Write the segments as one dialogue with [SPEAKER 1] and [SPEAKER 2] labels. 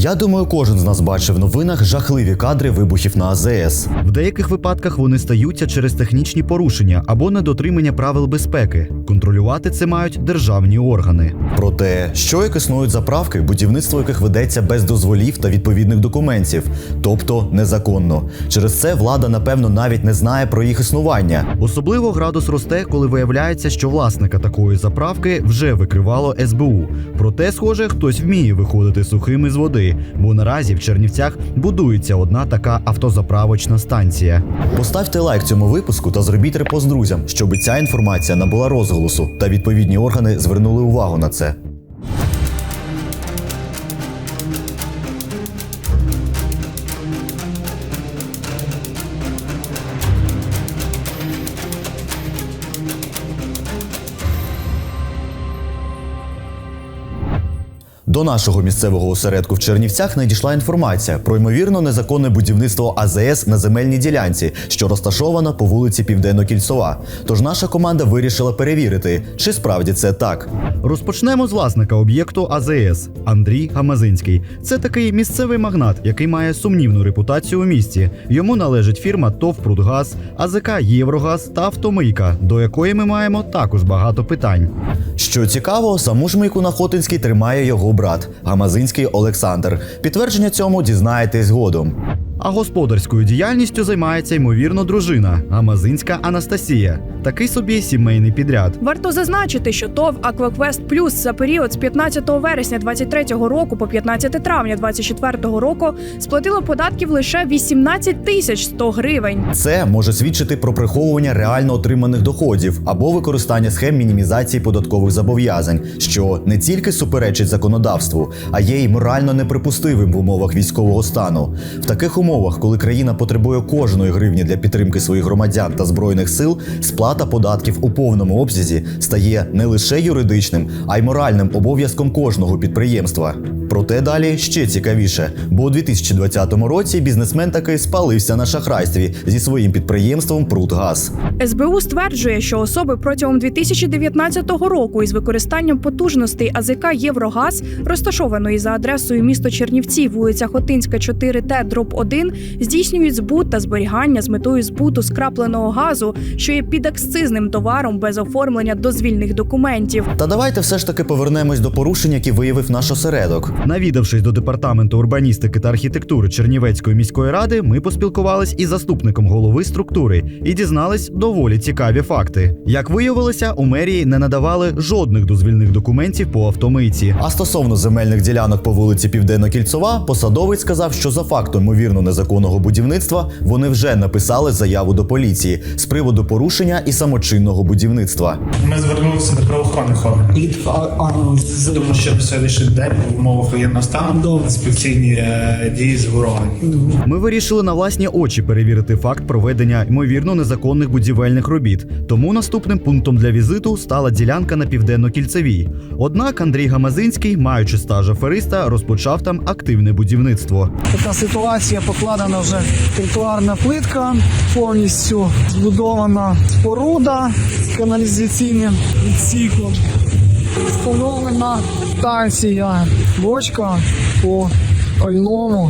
[SPEAKER 1] Я думаю, кожен з нас бачив в новинах жахливі кадри вибухів на АЗС.
[SPEAKER 2] В деяких випадках вони стаються через технічні порушення або недотримання правил безпеки. Контролювати це мають державні органи.
[SPEAKER 1] Проте, що як існують заправки, будівництво яких ведеться без дозволів та відповідних документів, тобто незаконно. Через це влада, напевно, навіть не знає про їх існування.
[SPEAKER 2] Особливо градус росте, коли виявляється, що власника такої заправки вже викривало СБУ. Проте, схоже, хтось вміє виходити сухим із води, бо наразі в Чернівцях будується одна така автозаправочна станція.
[SPEAKER 1] Поставте лайк цьому випуску та зробіть репост друзям, щоб ця інформація набула розголосу та відповідні органи звернули увагу на це. До нашого місцевого осередку в Чернівцях надійшла інформація про ймовірно незаконне будівництво АЗС на земельній ділянці, що розташована по вулиці Південно-Кільцова. Тож наша команда вирішила перевірити, чи справді це так.
[SPEAKER 2] Розпочнемо з власника об'єкту АЗС – Андрій Гамазинський. Це такий місцевий магнат, який має сумнівну репутацію у місті. Йому належить фірма ТОВ «Прудгаз», АЗК «Єврогаз» та «Автомийка», до якої ми маємо також багато питань.
[SPEAKER 1] Що цікаво, саму ж мийку на Хотинській тримає його брат – Гамазинський Олександр. Підтвердження цьому дізнаєтесь згодом.
[SPEAKER 2] А господарською діяльністю займається, ймовірно, дружина – Гамазинська Анастасія. Такий собі сімейний підряд.
[SPEAKER 3] Варто зазначити, що ТОВ «Акваквест Плюс» за період з 15 вересня 2023 року по 15 травня 2024 року сплатило податків лише 18 100 гривень.
[SPEAKER 1] Це може свідчити про приховування реально отриманих доходів або використання схем мінімізації податкових зобов'язань, що не тільки суперечить законодавству, а є й морально неприпустимим в умовах військового стану. В таких умовах, коли країна потребує кожної гривні для підтримки своїх громадян та збройних сил, сплата податків у повному обсязі стає не лише юридичним, а й моральним обов'язком кожного підприємства. Проте далі ще цікавіше, бо у 2020 році бізнесмен таки спалився на шахрайстві зі своїм підприємством «Прудгаз».
[SPEAKER 3] СБУ стверджує, що особи протягом 2019 року із використанням потужностей АЗК «Єврогаз», розташованої за адресою місто Чернівці, вулиця Хотинська, 4Т/1, здійснюють збут та зберігання з метою збуту скрапленого газу, що є підакцизним товаром без оформлення дозвільних документів.
[SPEAKER 1] Та давайте все ж таки повернемось до порушень, які виявив наш осередок.
[SPEAKER 2] Навідавшись до департаменту урбаністики та архітектури Чернівецької міської ради, ми поспілкувались із заступником голови структури і дізнались доволі цікаві факти. Як виявилося, у мерії не надавали жодних дозвільних документів по автомийці.
[SPEAKER 1] А стосовно земельних ділянок по вулиці Південно-Кільцова, посадовець сказав, що за фактом ймовірно незаконного будівництва вони вже написали заяву до поліції з приводу порушення і самочинного будівництва.
[SPEAKER 4] Ми звернулися до правоохоронних органів. Тому що в сьогоднішній день в умовах воєнного стану інспекційні дії з ворогами.
[SPEAKER 2] Ми вирішили на власні очі перевірити факт проведення ймовірно незаконних будівельних робіт. Тому наступним пунктом для візиту стала ділянка на Південно-Кільцевій. Однак Андрій Гамазинський, маючи стаж афериста, розпочав там активне будівництво.
[SPEAKER 5] Така ситуація, покладена вже тротуарна плитка, повністю збудована споруда з каналізаційним відсіком. Встановлена станція, бочка по пальному.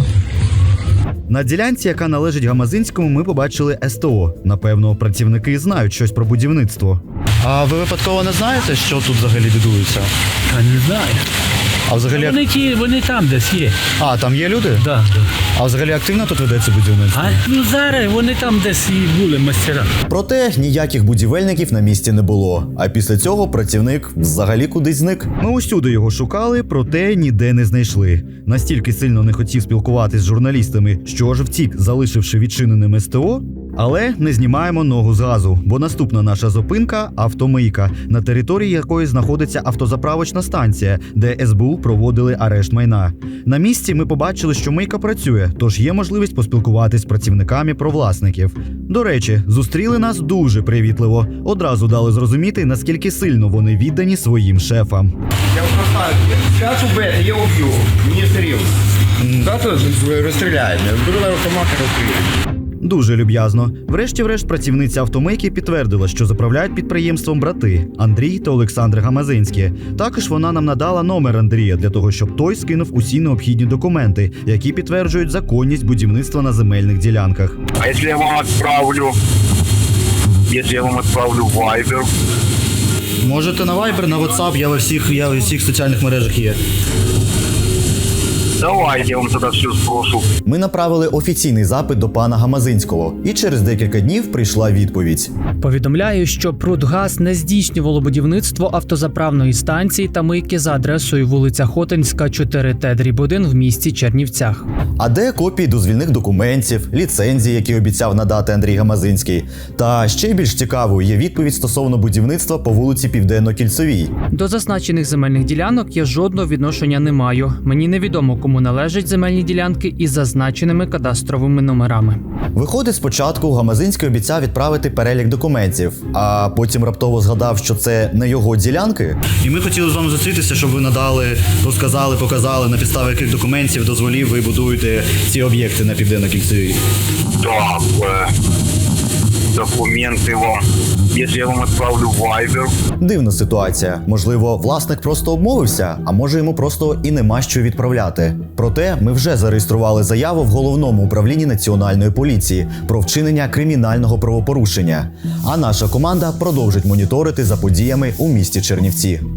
[SPEAKER 2] На ділянці, яка належить Гамазинському, ми побачили СТО. Напевно, працівники знають щось про будівництво.
[SPEAKER 6] А ви випадково не знаєте, що тут взагалі будується?
[SPEAKER 7] А не знаю.
[SPEAKER 6] А взагалі...
[SPEAKER 7] Вони там десь є.
[SPEAKER 6] А, там є люди?
[SPEAKER 7] Да.
[SPEAKER 6] А взагалі активно тут ведеться будівництво?
[SPEAKER 7] Ну зараз вони там десь і були мастера.
[SPEAKER 1] Проте ніяких будівельників на місці не було. А після цього працівник взагалі кудись зник.
[SPEAKER 2] Ми усюди його шукали, проте ніде не знайшли. Настільки сильно не хотів спілкуватись з журналістами, що аж втік, залишивши відчиненим СТО. Але не знімаємо ногу з газу, бо наступна наша зупинка – автомийка, на території якої знаходиться автозаправочна станція, де СБУ проводили арешт майна. На місці ми побачили, що мийка працює, тож є можливість поспілкуватись з працівниками про власників. До речі, зустріли нас дуже привітливо. Одразу дали зрозуміти, наскільки сильно вони віддані своїм шефам.
[SPEAKER 8] Я просто зараз убити, я уб'ю. Мені серйозно. Завтра розстріляють. Беру на автомат і розстріляють.
[SPEAKER 2] Дуже люб'язно. Врешті-решт працівниця автомийки підтвердила, що заправляють підприємством брати Андрій та Олександр Гамазинські. Також вона нам надала номер Андрія для того, щоб той скинув усі необхідні документи, які підтверджують законність будівництва на земельних ділянках.
[SPEAKER 9] А если я вам отправлю в Viber?
[SPEAKER 6] Можете на Viber, на WhatsApp, я у всіх соціальних мережах є.
[SPEAKER 9] Давайте я вам тогда все спрошу.
[SPEAKER 1] Ми направили офіційний запит до пана Гамазинського, і через декілька днів прийшла відповідь.
[SPEAKER 10] Повідомляю, що Прудгаз не здійснювало будівництво автозаправної станції та мийки за адресою вулиця Хотинська, 4Т/1 в місті Чернівцях.
[SPEAKER 1] А де копії дозвільних документів, ліцензії, які обіцяв надати Андрій Гамазинський? Та ще більш цікавою є відповідь стосовно будівництва по вулиці Південно-Кільцевій.
[SPEAKER 10] До зазначених земельних ділянок я жодного відношення не маю. Мені невідомо, кому належать земельні ділянки із зазначеними кадастровими номерами.
[SPEAKER 1] Виходить, спочатку Гамазинський обіцяв відправити перелік документів, а потім раптово згадав, що це не його ділянки.
[SPEAKER 6] І ми хотіли з вами зустрітися, щоб ви надали, розказали, показали, на підставі яких документів, дозволів ви будуєте ці об'єкти на Південно-Кільцевій.
[SPEAKER 9] Так, документы вам. Если я вам отправлю в Viber.
[SPEAKER 1] Дивна ситуація. Можливо, власник просто обмовився, а може йому просто і нема що відправляти. Проте ми вже зареєстрували заяву в Головному управлінні Національної поліції про вчинення кримінального правопорушення. А наша команда продовжить моніторити за подіями у місті Чернівці.